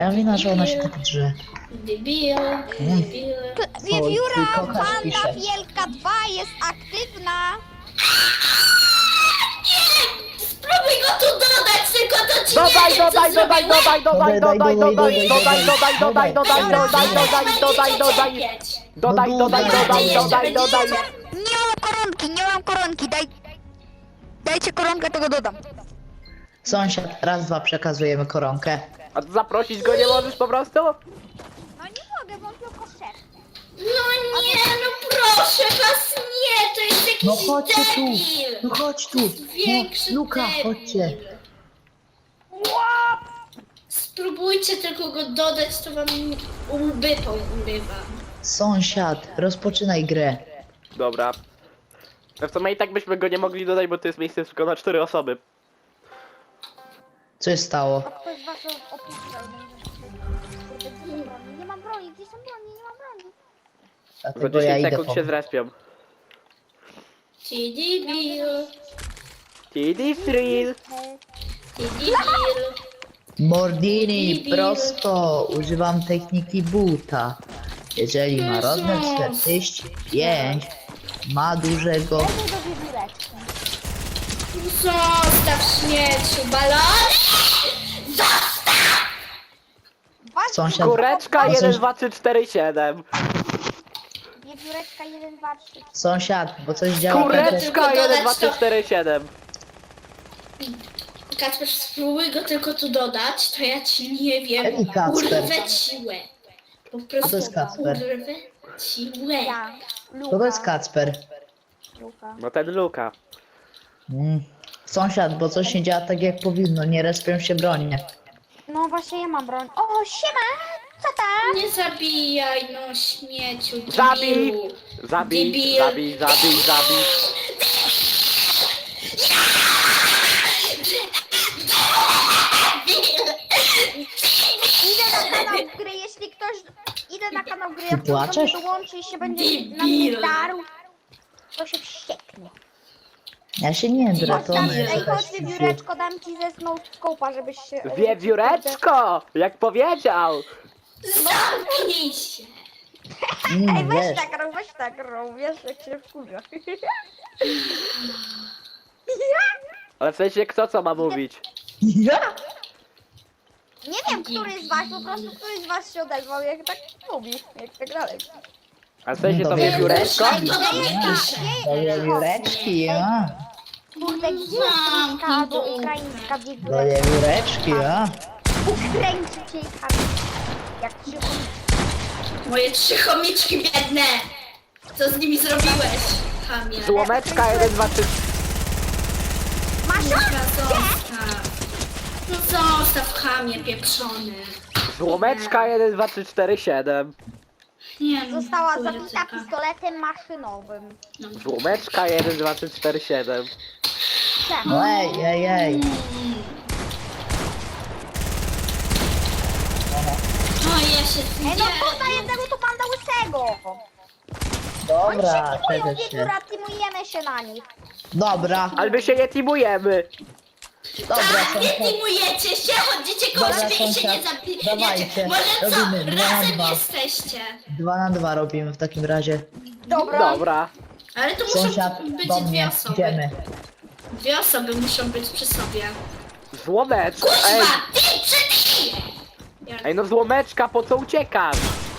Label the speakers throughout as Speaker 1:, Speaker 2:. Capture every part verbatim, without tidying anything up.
Speaker 1: Ja wina, że ona się tak drze.
Speaker 2: Debil, debil.
Speaker 3: Wiewióra
Speaker 1: ty kochasz,
Speaker 3: Panda
Speaker 1: pisze.
Speaker 3: Wielka dwa jest aktywna.
Speaker 2: Spróbuj go tu dodać, tylko to ci
Speaker 4: Dodaj,
Speaker 2: nie wiem,
Speaker 4: dodaj,
Speaker 2: co
Speaker 4: dodaj,
Speaker 2: zrobił.
Speaker 4: dodaj, dodaj, dodaj, dodaj, dodaj, dodaj, dodaj, dodaj, dodaj, dodaj, dodaj, dodaj. Dodaj, dodaj, dodaj, dodaj, dodaj.
Speaker 3: Nie mam koronki, nie mam koronki, daj... Dajcie koronkę, to go dodam.
Speaker 1: Sąsiad, raz, dwa, przekazujemy koronkę.
Speaker 4: A zaprosić go nie możesz po prostu?
Speaker 3: No nie mogę, bo on tylko szef.
Speaker 2: No nie, no proszę was, nie, to jest jakiś
Speaker 1: No chodźcie tu,
Speaker 2: debil.
Speaker 1: no chodź tu.
Speaker 2: Większy
Speaker 1: No, Luka,
Speaker 2: debil.
Speaker 1: chodźcie.
Speaker 2: Spróbujcie tylko go dodać, to wam łby pourywa.
Speaker 1: Sąsiad, rozpoczynaj grę.
Speaker 4: Dobra. No w sumie i tak byśmy go nie mogli dodać, bo to jest miejsce tylko na cztery osoby.
Speaker 1: Co się stało?
Speaker 3: Ktoś z was opisał. Nie mam broni, gdzie są broni, nie mam broni.
Speaker 4: Za
Speaker 1: Dlatego ja
Speaker 4: dziesięć
Speaker 1: idę
Speaker 4: sekund
Speaker 1: po...
Speaker 4: się zrespią.
Speaker 2: Ty debil,
Speaker 4: Tiddy thrill.
Speaker 2: ty debil.
Speaker 1: Mordini,
Speaker 2: Debil.
Speaker 1: prosto. Używam techniki buta. Jeżeli ma rozmiar
Speaker 2: Jezus.
Speaker 1: czterdzieści pięć, ma dużego...
Speaker 3: Lepiej do wiewióreczki.
Speaker 2: Zostaw śmieciu, balony!
Speaker 1: Sąsiad...
Speaker 4: Kureczka
Speaker 1: No coś-
Speaker 4: jeden, dwa, trzy, cztery, siedem.
Speaker 3: Wiewióreczka jeden, dwa, trzy.
Speaker 1: Sąsiad, bo coś działa...
Speaker 2: Kureczka.
Speaker 1: tak,
Speaker 4: Kureczka jeden, dwa, trzy, cztery, siedem.
Speaker 2: Kacper, spróbuj go tylko tu dodać, to ja ci nie wiem,
Speaker 1: Jaki Kacper?
Speaker 2: urwę ci łeb. Po prostu
Speaker 1: to jest Kacper?
Speaker 2: urwę ci łeb.
Speaker 3: Ja, Luka.
Speaker 1: To to jest Kacper.
Speaker 3: Luka.
Speaker 4: No ten Luka.
Speaker 1: Mm. Sąsiad, bo coś nie działa tak jak powinno, nie respią się bronie.
Speaker 3: No właśnie ja mam broń. O, siema! Co tam?
Speaker 2: Nie zabijaj, no śmieciu,
Speaker 4: Zabij!
Speaker 2: debilu.
Speaker 4: Zabij,
Speaker 2: Debil.
Speaker 4: zabij, zabij, zabij.
Speaker 3: Idę na kanał gry, jeśli ktoś... Idę na kanał gry,
Speaker 1: Ty
Speaker 3: jak ktoś do
Speaker 1: płaczesz?
Speaker 3: mnie dołączy i się będzie
Speaker 2: Debil.
Speaker 3: na mnie darł, to się wścieknie.
Speaker 1: Ja się nie drę, to
Speaker 3: Tam,
Speaker 1: ona jest
Speaker 3: ej,
Speaker 1: jakaś
Speaker 3: chodź wiewióreczko, dam ci ze scope'a, żebyś się...
Speaker 4: Wiewióreczko! Jak powiedział!
Speaker 2: Zamknij się.
Speaker 1: Mm,
Speaker 3: Ej, weź
Speaker 1: wiesz,
Speaker 3: tak rób, weź tak rób, wiesz jak się wkurza.
Speaker 4: Ale w sensie kto co ma mówić?
Speaker 1: ja?
Speaker 3: Nie wiem, który z was, po prostu któryś z was się odezwał, jak tak mówi, jak tak dalej.
Speaker 4: A w sensie to
Speaker 1: Dobra.
Speaker 4: wiewióreczko?
Speaker 2: Ej, to do mnie pisze.
Speaker 1: Do wiewióreczki, ja.
Speaker 3: Kurde, gdzie jest polska albo ukraińska
Speaker 1: Do
Speaker 3: wiewióreczka?
Speaker 1: wiewióreczki, ja.
Speaker 3: Ukraińczycie i chamie. Jak się
Speaker 2: Moje trzy chomiczki biedne. Co z nimi zrobiłeś, chamie?
Speaker 4: Złomeczka jeden, dwa, trzy.
Speaker 3: Masz
Speaker 2: Kurwa, zostaw. No zostaw, chamie pieprzony.
Speaker 4: Złomeczka jeden, dwa, trzy, cztery, siedem.
Speaker 2: Nie no,
Speaker 3: Została
Speaker 2: chuja
Speaker 3: zabita
Speaker 2: taka.
Speaker 3: pistoletem maszynowym.
Speaker 4: Złomeczka jeden, dwa, trzy, cztery, siedem.
Speaker 3: Tak.
Speaker 1: No ej, ej, ej.
Speaker 2: No ja się
Speaker 3: Ej, no tutaj jednego tu panda łysego. Oni się
Speaker 1: Dobra,
Speaker 3: teamują,
Speaker 1: czego się.
Speaker 3: wiewióra, teamujemy się na nich.
Speaker 1: Dobra,
Speaker 4: Ale my się nie teamujemy.
Speaker 1: dobra,
Speaker 2: Tak, nie
Speaker 1: sąsiad.
Speaker 2: teamujecie się, chodzicie koło
Speaker 1: Dobra,
Speaker 2: siebie i się nie
Speaker 1: sąsiad,
Speaker 2: zabijecie.
Speaker 1: dawajcie,
Speaker 2: Może co,
Speaker 1: robimy dwa na
Speaker 2: razem
Speaker 1: dwa.
Speaker 2: jesteście.
Speaker 1: Dwa na dwa robimy w takim razie.
Speaker 3: Dobra.
Speaker 4: Dobra.
Speaker 2: Ale to muszą
Speaker 1: Sąsiad,
Speaker 2: być
Speaker 1: do
Speaker 2: dwie
Speaker 1: mnie,
Speaker 2: osoby.
Speaker 1: idziemy.
Speaker 2: Dwie osoby muszą być przy sobie.
Speaker 4: Złomeczka. Ej,
Speaker 2: Kurwa, ty przy Ja-
Speaker 4: ej no złomeczka, po co uciekasz?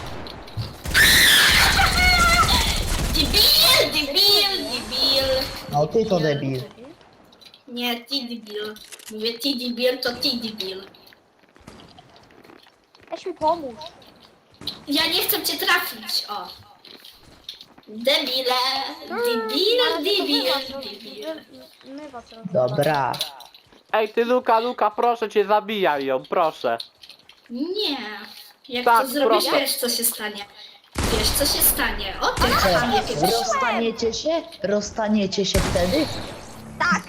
Speaker 2: Debil, debil, debil.
Speaker 1: No ty to debil.
Speaker 2: Nie, ty debil. Mówię ty debil, to ty debil.
Speaker 3: Weź mi pomóż.
Speaker 2: Ja nie chcę cię trafić, o. Debile, debil,
Speaker 3: Ale to
Speaker 2: debil,
Speaker 3: my was-
Speaker 2: debil.
Speaker 3: My was rozmawiamy.
Speaker 1: Dobra.
Speaker 4: Ej ty Luka, Luka, proszę cię, zabijaj ją, proszę.
Speaker 2: Nie. Jak
Speaker 4: Tak,
Speaker 2: to zrobisz,
Speaker 4: proszę.
Speaker 2: wiesz co się stanie. Wiesz co się stanie. O ty
Speaker 1: Co,
Speaker 2: chamie pieprzony.
Speaker 1: rozstaniecie się? Rozstaniecie się wtedy?
Speaker 3: Tak.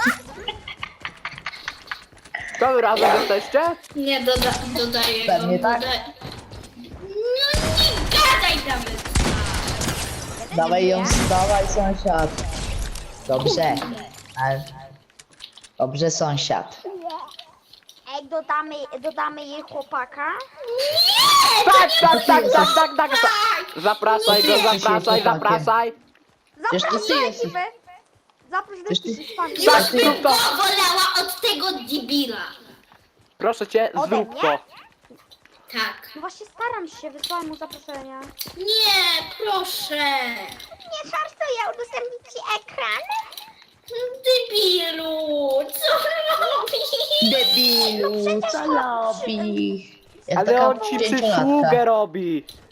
Speaker 4: To wy razem jesteście?
Speaker 2: Nie, doda dodaję go.
Speaker 1: Pewnie tak.
Speaker 2: Doda no nie gadaj nawet.
Speaker 1: Dawaj ją, dawaj sąsiad. Dobrze. Ale... Dobrze sąsiad.
Speaker 3: Ej, dodamy, dodamy jej chłopaka.
Speaker 4: Tak, tak, tak, tak, tak, tak, tak. Zapraszaj go,
Speaker 1: Nie.
Speaker 4: zapraszaj, zapraszaj.
Speaker 1: Przecież to ty
Speaker 3: Zaproś do
Speaker 1: jesteś.
Speaker 3: ekipy. Zaproś do
Speaker 1: Przecież ty-
Speaker 3: ekipy. Pan.
Speaker 2: Już
Speaker 4: Tak,
Speaker 2: bym
Speaker 4: zrób to.
Speaker 2: go wolała od tego debila.
Speaker 4: Proszę cię,
Speaker 3: Ode
Speaker 4: zrób
Speaker 3: mnie?
Speaker 4: to.
Speaker 2: Tak.
Speaker 3: No właśnie staram się, wysłałam mu zaproszenia.
Speaker 2: Nie, proszę.
Speaker 3: Nie żartuję, udostępnić ci ekran?
Speaker 2: Debilu, co robisz?
Speaker 1: Debilu, co robi? Jak
Speaker 4: Ale
Speaker 1: taka
Speaker 4: on ci
Speaker 1: dzieciąlatka.
Speaker 4: przysługę robi.